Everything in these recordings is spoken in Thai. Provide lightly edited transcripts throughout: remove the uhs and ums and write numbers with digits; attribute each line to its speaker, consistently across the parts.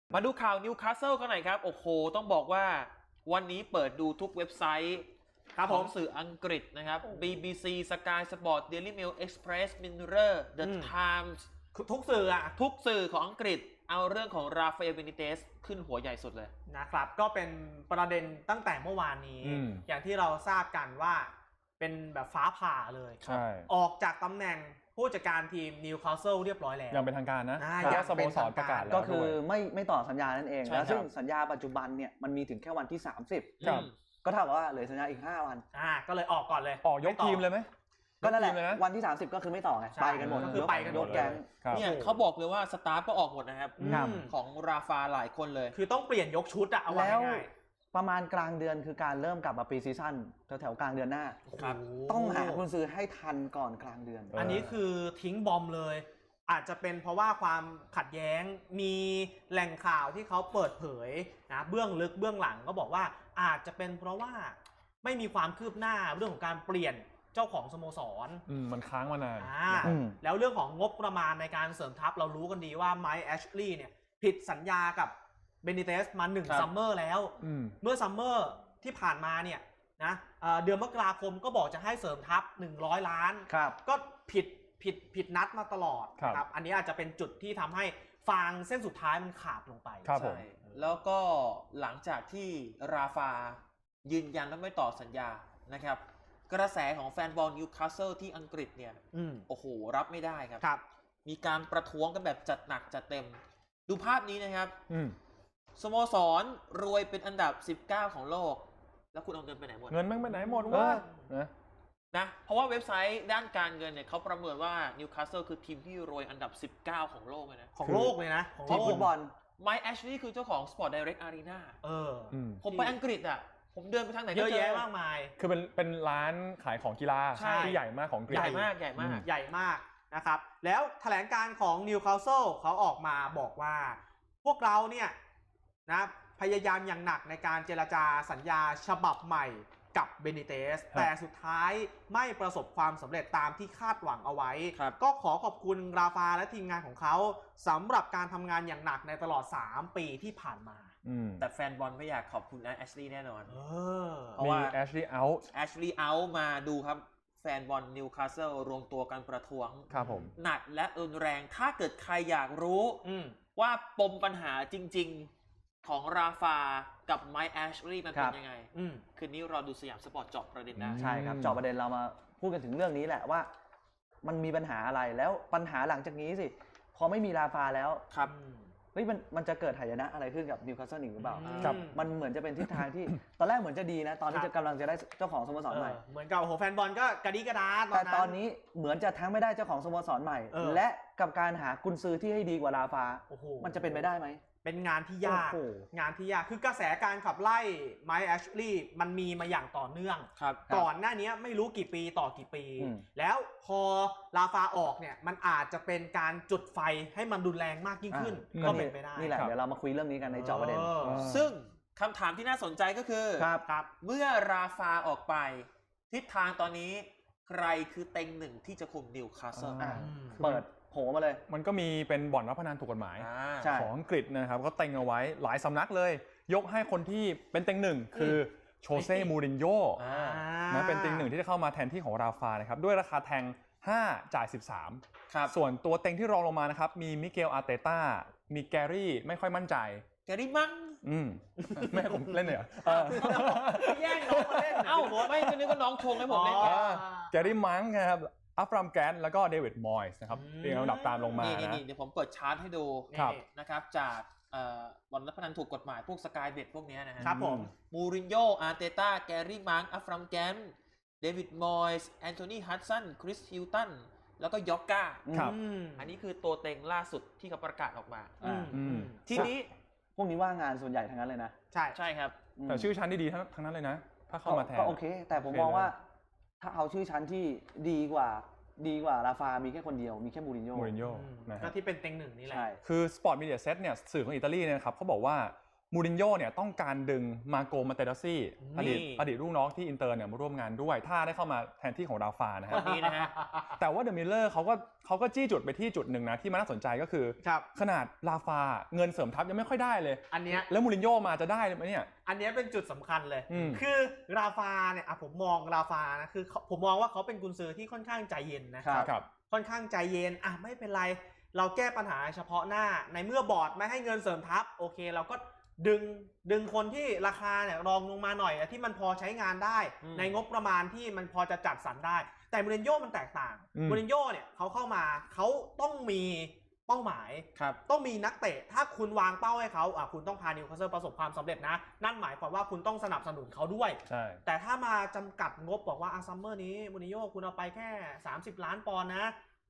Speaker 1: มาดูข่าวนิวคาสเซิลกันหน่อยครับ โอ้โห ต้องบอกว่าวันนี้เปิดดูทุกเว็บไซต์ของสื่ออังกฤษนะครับ BBC Sky Sport Daily Mail Express Mirror The Times
Speaker 2: ทุกสื่ออะ
Speaker 1: ทุกสื่อของอังกฤษเอาเรื่องของราฟาเอล เบนิเตสขึ้นหัวใหญ่สุดเลย
Speaker 2: นะครับก็เป็นประเด็นตั้งแต่เมื่อวานนี้อย่างที่เราทราบกันว่าเป็นแบบฟ้าผ่าเลยออกจากตำแหน่งผู้จัดการทีมนิวคาสเซิลเรียบร้อยแล้ว
Speaker 3: ยังเป็นทางการนะ
Speaker 2: ยัง
Speaker 3: สโมสรประกาศแล้ว
Speaker 4: ก็คือไม่ต่อสัญญานั่นเองแล้วซึ่งสัญญาปัจจุบันเนี่ยมันมีถึงแค่วันที่30ก็เท่ากับว่าเหลือสัญญาอีก5 วัน
Speaker 2: ก็เลยออกก่อนเลย
Speaker 3: ออกยกทีมเลยไหม
Speaker 4: ก็นั่นแหละวันที่30ก็คือไม่ต่อไงไปกันหมด
Speaker 2: ก็คือไปกันหมด
Speaker 4: แก๊ง
Speaker 1: เนี่ยเขาบอกเลยว่าสตาฟก็ออกหมดนะครับของราฟาหลายคนเลย
Speaker 2: คือต้องเปลี่ยนยกชุดอะเอาไว้ง่าย
Speaker 4: ประมาณกลางเดือนคือการเริ่มกลับมาปีซีซั่นแถวกลางเดือนหน้าต้องหากุนซือให้ทันก่อนกลางเดือน
Speaker 2: อันนี้คือทิ้งบอมเลยอาจจะเป็นเพราะว่าความขัดแย้งมีแหล่งข่าวที่เขาเปิดเผยนะเบื้องลึกเบื้องหลังก็บอกว่าอาจจะเป็นเพราะว่าไม่มีความคืบหน้าเรื่องของการเปลี่ยนเจ้าของสโมสร
Speaker 3: มันค้างมานาน
Speaker 2: แล้วเรื่องของงบประมาณในการเสริมทัพเรารู้กันดีว่าไมค์แอชลีย์เนี่ยผิดสัญญากับเบนิเตสมา1ซัมเมอร์แล้วเมื่อซัมเมอร์ที่ผ่านมาเนี่ยนะเดือนมกราคมก็บอกจะให้เสริมทัพ100 ล้านก็ผิดนัดมาตลอดครับอันนี้อาจจะเป็นจุดที่ทำให้ฟางเส้นสุดท้ายมันขาดลงไป
Speaker 1: ใช่แล้วก็หลังจากที่ราฟายืนยันว่าไม่ต่อสัญญานะครับกระแสของแฟนบอลนิวคาสเซิลที่อังกฤษเนี่ยโอ้โหรับไม่ได้ครับมีการประท้วงกันแบบจัดหนักจัดเต็มดูภาพนี้นะครับสโมสรรวยเป็นอันดับ19ของโลกแล้วคุณเอาเงินไปไหนหมด
Speaker 3: เงินมันไปไหนหมดวะ
Speaker 1: นะเพราะว่าเว็บไซต์ด้านการเงินเนี่ยเขาประเมินว่านิวคาสเซิลคือทีมที่รวยอันดับ19ของโลกเลยนะ
Speaker 2: ของโลกเลยนะ
Speaker 4: ทีมฟุตบอล
Speaker 1: ไมค์แอชลีย์คือเจ้าของ Sport Direct Arena ผมไปอังกฤษอ่ะผมเดินไปทางไหน
Speaker 2: เยอะแยะมากมาย
Speaker 3: คือเป็นร้านขายของกีฬาที่ใหญ่มากของอังกฤษ
Speaker 1: ใหญ่มาก
Speaker 2: นะครับแล้วแถลงการของนิวคาสเซิลเขาออกมาบอกว่าพวกเราเนี่ยนะพยายามอย่างหนักในการเจรจาสัญญาฉบับใหม่กับเบนิเตสแต่สุดท้ายไม่ประสบความสำเร็จตามที่คาดหวังเอาไว้ก็ขอบคุณราฟาและทีมงานของเขาสำหรับการทำงานอย่างหนักในตลอด3 ปีที่ผ่านมา
Speaker 1: แต่แฟนบอลไม่อยากขอบคุณนะแอชลีย์แน่นอน
Speaker 3: เพราะว่าแอชลีย์เอา
Speaker 1: ท์มาดูครับแฟนบอลนิวคาสเซิลรวมตัวกันประท้วงหนักและรุนแรงถ้าเกิดใครอยากรู้ว่าปมปัญหาจริงๆของราฟากับไมค์แอชลีย์มันเป็นยังไงคืนนี้เราดูสยามสปอร์ตเจาะประเด็นนะ
Speaker 4: ใช่ครับเจาะประเด็นเรามาพูดกันถึงเรื่องนี้แหละว่ามันมีปัญหาอะไรแล้วปัญหาหลังจากนี้สิพอไม่มีราฟาแล้วมันจะเกิดหายนะอะไรขึ้นกับนิวคาสเซิลอีกหรือเปล่ามันเหมือนจะเป็นทิศทางที่ตอนแรกเหมือนจะดีนะตอนที่จะกำลังจะได้เจ้าของสโมสรใหม่
Speaker 2: เหมือนกับแฟนบอลก็กระดิกระดา
Speaker 4: แต่ตอนนี้เหมือนจะทั้งไม่ได้เจ้าของสโมสรใหม่และกับการหากุนซือที่ให้ดีกว่าราฟามันจะเป็นไปได้ไหม
Speaker 2: เป็นงานที่ยากคือกระแสการขับไล่ไมค์แอชลีย์มันมีมาอย่างต่อเนื่องก่อนหน้านี้ไม่รู้กี่ปีต่อกี่ปีแล้วพอราฟาออกเนี่ยมันอาจจะเป็นการจุดไฟให้มันรุนแรงมากยิ่งขึ้นก็เป็นไปได้
Speaker 4: นี่แหละเดี๋ยวเรามาคุยเรื่องนี้กันในเจาะประเด็น
Speaker 1: ซึ่งคำถามที่น่าสนใจก็คือเมื่อราฟาออกไปทิศทางตอนนี้ใครคือเต็งหนึ่งที่จะคุมนิวคาสเซิล
Speaker 4: เปิดโผล่มาเลย
Speaker 3: มันก็มีเป็นบ่อนรับพนันถูกกฎหมายของอังกฤษนะครับก็เต็งเอาไว้หลายสำนักเลยยกให้คนที่เป็นเต็งหนึ่งคือโชเซ่มูรินโญ่นะเป็นเต็งหนึ่งที่จะเข้ามาแทนที่ของราฟานะครับด้วยราคาแทง5จ่าย13ส่วนตัวเต็งที่รองลงมานะครับมีมิเกลอาร์เตต้ามีแกรี่ไม่ค่อยมั่นใจ
Speaker 1: แกรี่มั้ง
Speaker 3: ไม่ให้ผมเล่นเลยเหรอ
Speaker 2: แย่งน้องมาเล่น
Speaker 1: ไม่จะนึกว่าน้องชงให้ผมเล่น
Speaker 3: แกรี่มั้งครับอัฟรามแกนแล้วก็เดวิดมอยส์นะครับเรียงลำดับตามลงมา
Speaker 1: นี่เดี๋ยวผมเปิดชาร์ตให้ดูนะครับจากบอลรับพนันถูกกฎหมายพวกสกายเบ็ดพวกนี้นะครับ
Speaker 2: ผม
Speaker 1: มูรินโญ่อาร์เตต้าแกรี่มังอัฟรามแกนเดวิดมอยส์แอนโทนีฮัดสันคริสฮิลตันแล้วก็ยอกก้าอันนี้คือตัวเต็งล่าสุดที่เขาประกาศออกมาทีนี้
Speaker 4: พวกนี้ว่างงานส่วนใหญ่ทั้งนั้นเลยนะ
Speaker 1: ใช่ครับ
Speaker 3: แต่ชื่อชั้นดีๆทั้งนั้นเลยนะถ้าเข้ามาแทน
Speaker 4: ก็โอเคแต่ผมมองว่าถ้าเอาชื่อชั้นที่ดีกว่าราฟามีแค่คนเดียวมีแค่มูรินโญ่
Speaker 2: ก็ที่เป็นเต็งหนึ่งนี่แหละ
Speaker 3: คือ Sport Media Set เนี่ยสื่อของอิตาลีเนี่ยครับเขาบอกว่ามูรินโญ่เนี่ยต้องการดึงมาโกมาเตราซี่อดีตลูกน้องที่อินเตอร์เนี่ยมาร่วมงานด้วยถ้าได้เข้ามาแทนที่ของราฟานะฮะ
Speaker 1: นี่นะฮะ
Speaker 3: แต่ว่าเดอะมิลเลอร์เขาก็จี้จุดไปที่จุดหนึ่งนะที่มันน่าสนใจก็คือขนาดราฟาเงินเสริมทัพยังไม่ค่อยได้เลย
Speaker 2: อันเนี้ย
Speaker 3: แล้วมูรินโญ่มาจะได้ไหมเนี่ย
Speaker 2: อันเนี้ยเป็นจุดสำคัญเลยคือราฟาเนี่ยผมมองราฟานะคือผมมองว่าเขาเป็นกุนซือที่ค่อนข้างใจเย็นนะครับค่อนข้างใจเย็นไม่เป็นไรเราแก้ปัญหาเฉพาะหน้าในเมื่อบอร์ดไม่ให้เงินเสริมทัพโอเคเราก็ดึงคนที่ราคาเนี่ยรองลงมาหน่อยที่มันพอใช้งานได้ในงบประมาณที่มันพอจะจัดสรรได้แต่มูรินโญ่มันแตกต่างมูรินโญ่เนี่ยเขาเข้ามาเขาต้องมีเป้าหมายต้องมีนักเตะถ้าคุณวางเป้าให้เขาคุณต้องพานิวคาสเซิลประสบความสำเร็จนะนั่นหมายความว่าคุณต้องสนับสนุนเขาด้วยแต่ถ้ามาจำกัดงบบอกว่าซัมเมอร์นี้มูรินโญ่คุณเอาไปแค่30 ล้านปอนด์นะ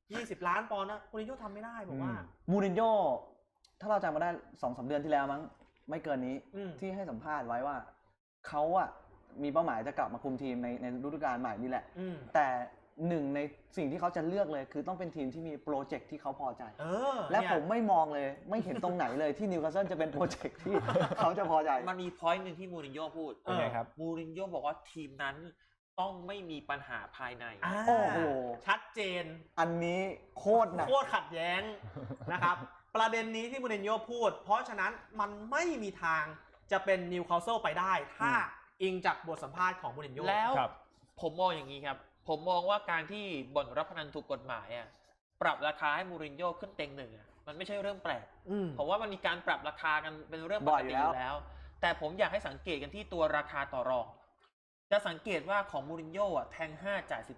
Speaker 2: 20 ล้านปอนด์นะมูรินโญ่ทำไม่ได้บอกว่า
Speaker 4: มูรินโญ่ถ้าเราจำมาได้ 2-3 เดือนที่แล้วมั้งไม่เกินนี้ที่ให้สัมภาษณ์ไว้ว่าเขามีเป้าหมายจะกลับมาคุมทีมในฤดูกาลใหม่นี่แหละแต่หนึ่งในสิ่งที่เขาจะเลือกเลยคือต้องเป็นทีมที่มีโปรเจกต์ที่เขาพอใจและผมไม่มองเลยไม่เห็นตรงไหนเลยที่นิวคาสเซิลจะเป็นโปรเจกต์ที่เขาจะพอใจ
Speaker 1: มันมีพอยต์นึงที่มูรินโญ่พูดมูรินโญ่บอกว่าทีมนั้นต้องไม่มีปัญหาภายใน
Speaker 2: โอ้โหชัดเจน
Speaker 4: อันนี้โคตรหนัก
Speaker 2: โคตรขัดแย้งนะครับประเด็นนี้ที่มูรินโญ่พูดเพราะฉะนั้นมันไม่มีทางจะเป็นนิวคาสเซิลไปได้ถ้าอิงจากบทสัมภาษณ์ของมูรินโญ่
Speaker 1: แล้วผมมองอย่างนี้ครับผมมองว่าการที่บ่อนรับพนันถูกกฎหมายปรับราคาให้มูรินโญ่ขึ้นเต็งหนึ่งมันไม่ใช่เรื่องแปลกเพราะว่ามันมีการปรับราคากันเป็นเรื่องปกติอยู่แล้วแต่ผมอยากให้สังเกตกันที่ตัวราคาต่อรองจะสังเกตว่าของมูรินโญ่แทง5จ่าย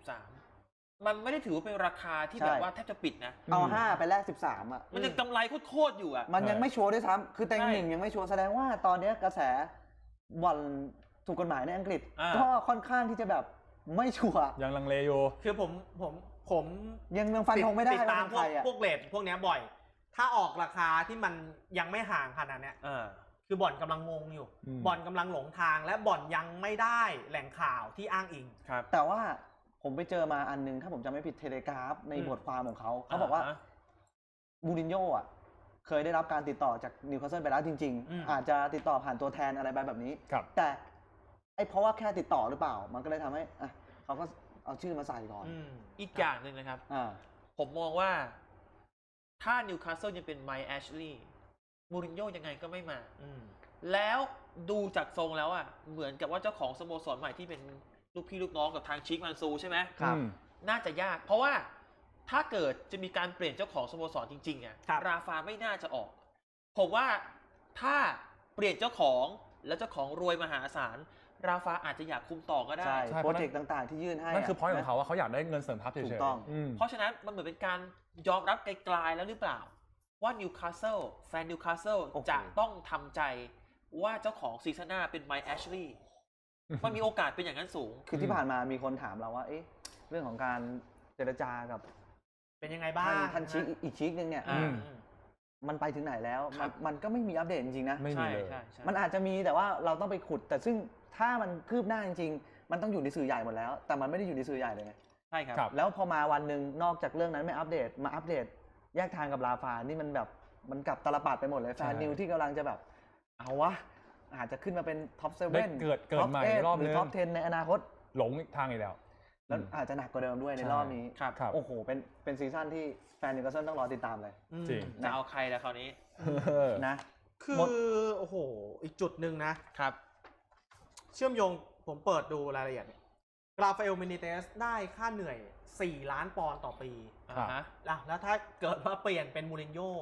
Speaker 1: 13มันไม่ได้ถือว่าเป็นราคาที่แบบว่าแทบจะปิดนะ
Speaker 4: เอา5ไปแลก13
Speaker 1: มันยังกำไรโคตรอยู่
Speaker 4: มันยังไม่ชัวร์ด้วยซ้ำคือเต็งหนึ่งยังไม่ชัวร์แสดงว่าตอนนี้กระแสบ่อนถูกกฎหมายในอังกฤษก็ค่อนข้างที่จะแบบไม่ชัวร์
Speaker 3: ยังลังเลอยู่
Speaker 2: คือผม
Speaker 4: ยังฟันธงไม่ได้
Speaker 2: ติดตามพวกเรทพวกนี้บ่อยถ้าออกราคาที่มันยังไม่ห่างขนาดนี้คือบ่อนกำลังงงอยู่บ่อนกำลังหลงทางและบ่อนยังไม่ได้แหล่งข่าวที่อ้างอิง
Speaker 4: แต่ว่าผมไปเจอมาอันนึงถ้าผมจำไม่ผิดเทเลกราฟในบทความของเขาบอกว่ามูรินโญ่เคยได้รับการติดต่อจากนิวคาสเซิลไปแล้วจริงๆอาจจะติดต่อผ่านตัวแทนอะไรแบบนี้แต่เพราะว่าแค่ติดต่อหรือเปล่ามันก็เลยทำให้เขาก็เอาชื่อมาใส่ก่อน
Speaker 1: อีกอย่างหนึ่งนะครับผมมองว่าถ้านิวคาสเซิลยังเป็นไมค์แอชลีย์มูรินโญ่ยังไงก็ไม่มาแล้วดูจากทรงแล้วเหมือนกับว่าเจ้าของสโมสรใหม่ที่เป็นลูกพี่ลูกน้องกับทางชิคมันซูใช่ไหม
Speaker 4: ครับ
Speaker 1: น่าจะยากเพราะว่าถ้าเกิดจะมีการเปลี่ยนเจ้าของสโมสรจริงๆราฟาไม่น่าจะออกผมว่าถ้าเปลี่ยนเจ้าของแล้วเจ้าของรวยมหาศาลราฟาอาจจะอยากคุมต่อก็ได้
Speaker 4: โปรเจกต์ต่างๆที่ยื่นให้
Speaker 3: นั่นคือพอยต์ของเขาว่าเขาอยากได้เงินเสริมทัพเฉยๆถูกต้อง
Speaker 1: เพราะฉะนั้นมันเหมือนเป็นการยอมรับไกลๆแล้วหรือเปล่าว่านิวคาสเซิลแฟนนิวคาสเซิลจะต้องทำใจว่าเจ้าของซีซั่นหน้าเป็นไมค์แอชลีย์มันมีโอกาสเป็นอย่างนั้นสูง
Speaker 4: คือที่ผ่านมามีคนถามเราว่าเรื่องของการเจรจากับ
Speaker 2: เป็นยังไงบ้าง
Speaker 4: ท่านชิคอีกชิคนึงเนี่ยมันไปถึงไหนแล้วมันก็ไม่มีอัปเดตจริงๆนะ
Speaker 3: ไม่มีเลย
Speaker 4: มันอาจจะมีแต่ว่าเราต้องไปขุดแต่ซึ่งถ้ามันคืบหน้าจริงๆมันต้องอยู่ในสื่อใหญ่หมดแล้วแต่มันไม่ได้อยู่ในสื่อใหญ่เลย
Speaker 1: ใช่ครับ
Speaker 4: แล้วพอมาวันหนึ่งนอกจากเรื่องนั้นไม่อัปเดตมาอัปเดตแยกทางกับราฟานี่มันแบบมันกลับตลปัดไปหมดเลยแฟนนิวที่กำลังจะแบบเอาวะอาจจะขึ้นมาเป็นท็อป7
Speaker 3: เกิดใหม่รอบนึง
Speaker 4: หรือท็อป10ในอนาคต
Speaker 3: หลงทางอีกแล้ว
Speaker 4: อาจจะหนักกว่าเดิมด้วยในรอบนี้โอ้โหเป็นซีซั่นที่แฟนนิวคาสเซิลต้องรอติดตามเลย
Speaker 3: จริง
Speaker 1: จะเอาใครแล้วคราวนี้
Speaker 4: นะ
Speaker 2: คือโอ้โหอีกจุดหนึ่งนะครับเชื่อมโยงผมเปิดดูรายละเอียดราฟาเอลเมนิเตสได้ค่าเหนื่อย4 ล้านปอนด์ต่อปีแล้วถ้าเกิดว่าเปลี่ยนเป็นมูรินโญ่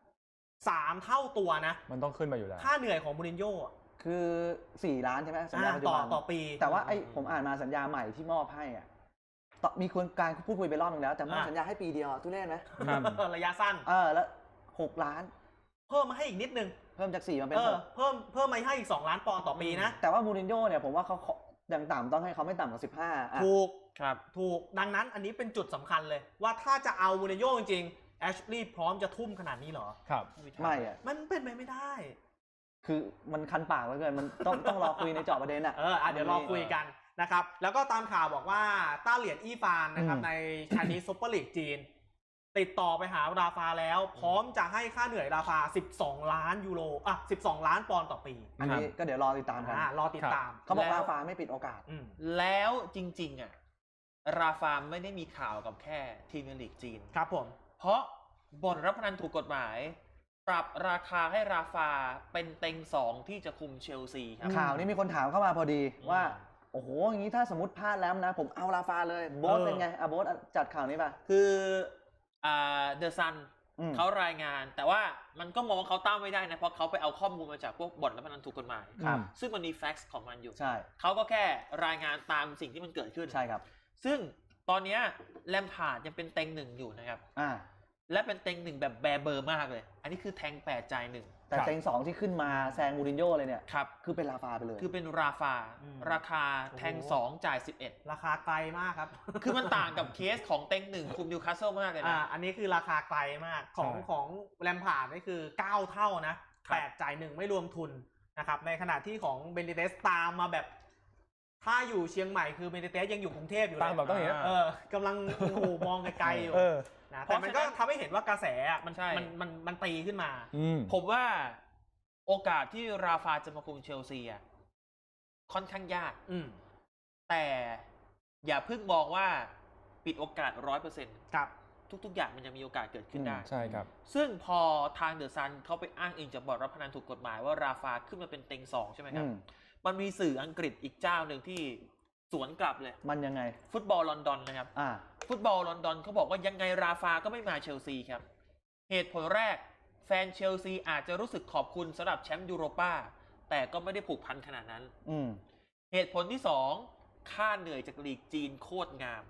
Speaker 2: 3 เท่าตัวนะ
Speaker 3: มันต้องขึ้นมาอยู่แล้ว
Speaker 2: ค่าเหนื่อยของมูรินโญ่
Speaker 4: คือ4 ล้านใช่ไหมสัญญา
Speaker 2: ต่อปี
Speaker 4: แต่ว่าผมอ่านมาสัญญาใหม่ที่มอบให้มีคนการพูดคุยไปรอบนึงแล้วแต่มอบสัญญาให้ปีเดียวทุเรศไหม
Speaker 2: ระยะสั้น
Speaker 4: แล้ว6 ล้าน
Speaker 2: เพิ่มมาให้อีกนิดนึง
Speaker 4: เพิ่มจาก4มาเป็น
Speaker 2: เพิ่มมาให้อีก2 ล้านปอนด์ต่อปีนะ
Speaker 4: แต่ว่ามูรินโญ่เนี่ยผมว่าเขาอย่างต่ำต้องให้เขาไม่ต่ำกว่า15
Speaker 2: ถูกดังนั้นอันนี้เป็นจุดสำคัญเลยว่าถ้าจะเอามูรินโญ่จริงๆแอชลีย์พร้อมจะทุ่มขนาดนี้เหรอ
Speaker 3: ครับ
Speaker 4: ไม่
Speaker 2: มันเป็นไปไม่ได้
Speaker 4: คือมันคันปากเหลือเกินมันต้องรอคุยในเจาะประเด็น
Speaker 2: เดี๋ยวรอคุยกันนะครับแล้วก็ตามข่าวบอกว่าต้าเหลียนอี้ฟานนะครับในชานีซุปเปอร์ลีกจีนติดต่อไปหาราฟาแล้วพร้อมจะให้ค่าเหนื่อยราฟา12 ล้านยูโร12 ล้านปอนด์ต่อปี
Speaker 4: อันนี้ก็เดี๋ยวรอติดตามกัน
Speaker 2: รอติดตาม
Speaker 4: เขาบอกราฟาไม่ปิดโอกาส
Speaker 1: แล้วจริงๆอ่ะราฟาไม่ได้มีข่าวกับแค่พรีเมียร์ลีกจีน
Speaker 2: ครับผม
Speaker 1: เพราะบ่อนรับพนันถูกกฎหมาย ปรับราคาให้ราฟาเป็นเต็ง2ที่จะคุมเชลซีครับ
Speaker 4: ข่าวนี้มีคนถามเข้ามาพอดีว่าโอ้โหอย่างนี้ถ้าสมมติพลาดแล้วนะผมเอาราฟาเลยโบ๊ทเป็นไงโบ๊ทจัดข่าวนี้ป่ะ
Speaker 1: คือเดอะซันเขารายงานแต่ว่ามันก็มองว่าเขาตั้งไม่ได้นะเพราะเขาไปเอาข้อมูลมาจากพวกบ่อนรับพนันถูกกฎหมายซึ่งมันมีแฟกซ์ของมันอยู่
Speaker 4: ใช่
Speaker 1: เขาก็แค่รายงานตามสิ่งที่มันเกิดขึ้น
Speaker 4: ใช่ครับ
Speaker 1: ซึ่งตอนนี้แลมพาร์ดยังเป็นเต็ง1อยู่นะครับและเป็นเต็ง1แบบแบร์เบอร์มากเลยอันนี้คือแทง8จ่าย1
Speaker 4: แต่เต็ง2ที่ขึ้นมาแซงมูรินโญ่เลยเนี่ย
Speaker 1: ครับ
Speaker 4: คือเป็นราฟาไปเลย
Speaker 1: คือเป็นราฟาราคาแทง2จ่าย11
Speaker 2: ราคาไกลมากครับ
Speaker 1: คือมันต่างกับเคสของเต็ง1คุมนิวคาสเซิลมากเลยนะ
Speaker 2: อันนี้คือราคาไกลมากของแลมพาร์ดนี่คือ9เท่านะ8จ่าย1ไม่รวมทุนนะครับในขณะที่ของเบนิเตสตามมาแบบถ้าอยู่เชียงใหม่คือเบนิเตสยังอยู่กรุงเทพอยู่เลย
Speaker 3: ตามแบบต้องอย่างนี้
Speaker 2: กำลังมองไกลๆอยู่นะแต่มันก็ทำให้เห็นว่ากระแสมันตีขึ้นมา
Speaker 1: ผมว่าโอกาสที่ราฟาจะมาคุมเชลซีค่อนข้างยากแต่อย่าเพิ่งมองว่าปิดโอกาส 100%
Speaker 2: ครับ
Speaker 1: ทุกๆอย่างมันยังมีโอกาสเกิดขึ้นได้
Speaker 3: ใช่ครับ
Speaker 1: ซึ่งพอทางเดอะซันเขาไปอ้างอิงจากบ่อนรับพนันถูกกฎหมายว่าราฟาขึ้นมาเป็นเต็ง2ใช่ไหมครับมันมีสื่ออังกฤษอีกเจ้าหนึ่งที่สวนกลับเลย
Speaker 4: มันยังไง
Speaker 1: ฟุตบอลลอนดอนนะครับฟุตบอลลอนดอนเขาบอกว่ายังไงราฟาก็ไม่มาเชลซีครับเหตุผลแรกแฟนเชลซีอาจจะรู้สึกขอบคุณสำหรับแชมป์ยูโรป้าแต่ก็ไม่ได้ผูกพันขนาดนั้นเหตุผลที่2ค่าเหนื่อยจากลีกจีนโคตรงาม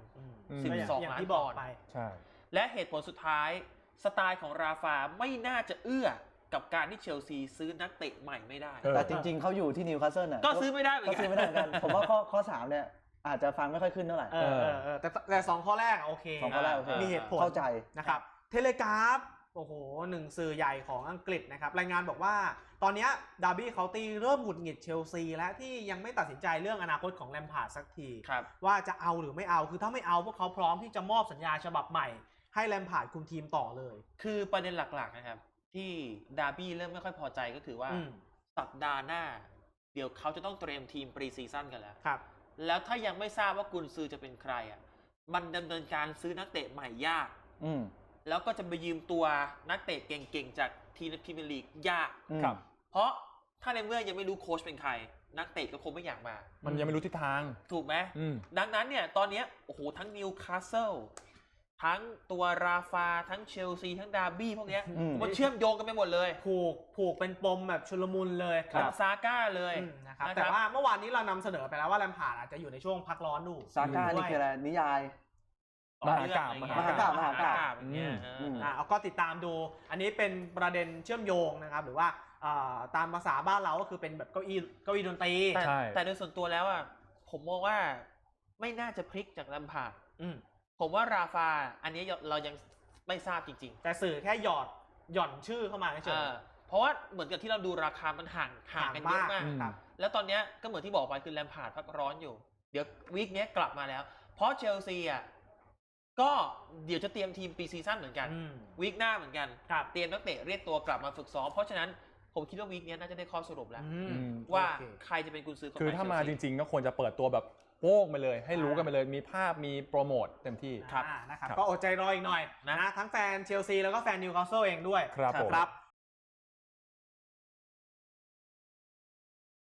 Speaker 1: 12 ล้านปอนด์และเหตุผลสุดท้ายสไตล์ของราฟาไม่น่าจะเอื้อกับการที่เชลซีซื้อนักเตะใหม่ไม่ได้
Speaker 4: แต่จริงๆเขาอยู่ที่นิวคาสเซิล
Speaker 1: ก็ซื้อไม่ได้เหมือน
Speaker 4: กันผมว่าข้อ3เนี่ยอาจจะฟังไม่ค่อยขึ้นเท่าไหร่
Speaker 2: แต่2ข้อแรกโอเค
Speaker 4: 2ข้อแรกโอเค
Speaker 2: มีเหตุผล
Speaker 4: เข้าใจ
Speaker 2: นะครับเทเลกราฟโอ้โห1สื่อใหญ่ของอังกฤษนะครับรายงานบอกว่าตอนนี้ดาร์บี้เคาน์ตี้เริ่มหงุดหงิดเชลซีและที่ยังไม่ตัดสินใจเรื่องอนาคตของแลมพาร์ดสักทีว่าจะเอาหรือไม่เอาคือถ้าไม่เอาพวกเขาพร้อมที่จะมอบสัญญาฉบับใหม่ให้แลมพาร์ดคุมทีมต่อเลย
Speaker 1: คือประเด็นหลักๆนะครับที่ดาร์บี้เริ่มไม่ค่อยพอใจก็คือว่าสัปดาห์หน้าเดี๋ยวเขาจะต้องเตรียมทีมปรีซีซั่นกันแล้วแล้วถ้ายังไม่ทราบว่ากุนซือจะเป็นใครมันดำเนินการซื้อนักเตะใหม่ยากแล้วก็จะไปยืมตัวนักเตะเก่งๆจากทีมพรีเมียร์ลีกยากเพราะถ้าในเมื่อยังไม่รู้โค้ชเป็นใครนักเตะก็คงไม่อยากมา
Speaker 3: มันยังไม่รู้ทิศทาง
Speaker 1: ถูกไหมดังนั้นเนี่ยตอนนี้โอ้โหทั้งนิวคาสเซิลทั้งตัวราฟาทั้งเชลซีทั้งดาร์บี้พวกนี้มันเชื่อมโยงกันไปหมดเลย
Speaker 2: ผูกเป็นปมแบบชุลมุนเลย
Speaker 1: เป็นซาก้าเลย
Speaker 2: นะครับแต่ว่าเมื่อวานนี้เรานำเสนอไปแล้วว่าแลมพาร์ดอาจจะอยู่ในช่วงพักร้อนดู
Speaker 4: ซาก้านี่คืออะไรนิยาย
Speaker 3: มหากาพ
Speaker 1: อย่างเงี้ย
Speaker 2: ก็ติดตามดูอันนี้เป็นประเด็นเชื่อมโยงนะครับหรือว่าตามภาษาบ้านเราก็คือเป็นแบบเก้าอี้ดนตรี
Speaker 1: แต่โดยส่วนตัวแล้วผมมองว่าไม่น่าจะพลิกจากแลมพาร์ดผมว่าราฟาอันนี้เรายังไม่ทราบจริง
Speaker 2: ๆแต่สื่อแค่หย่อนชื่อเข้ามาเฉย
Speaker 1: เพราะว่าเหมือนกับที่เราดูราคามันห่างกันเยอะมากแล้วตอนนี้ก็เหมือนที่บอกไปคือแลมพาร์ดพักร้อนอยู่เดี๋ยววีคนี้กลับมาแล้วเพราะเชลซีก็เดี๋ยวจะเตรียมทีมปีซีซั่นเหมือนกันวีคหน้าเหมือนกันเตรียมนักเตะเรียกตัวกลับมาฝึกซ้อมเพราะฉะนั้นผมคิดว่าวีคนี้น่าจะได้ข้อสรุปแล้วว่าใครจะเป็นกุนซือ
Speaker 3: คือถ้ามาจริงๆก็ควรจะเปิดตัวแบบโป้งไปเลยให้รู้กันไปเลยมีภาพมีโปรโมทเต็มที่
Speaker 2: นะครับก็อดใจรออีกหน่อยนะทั้งแฟนเชลซีแล้วก็แฟนนิวคาสเซิลเองด้วย
Speaker 3: ครับ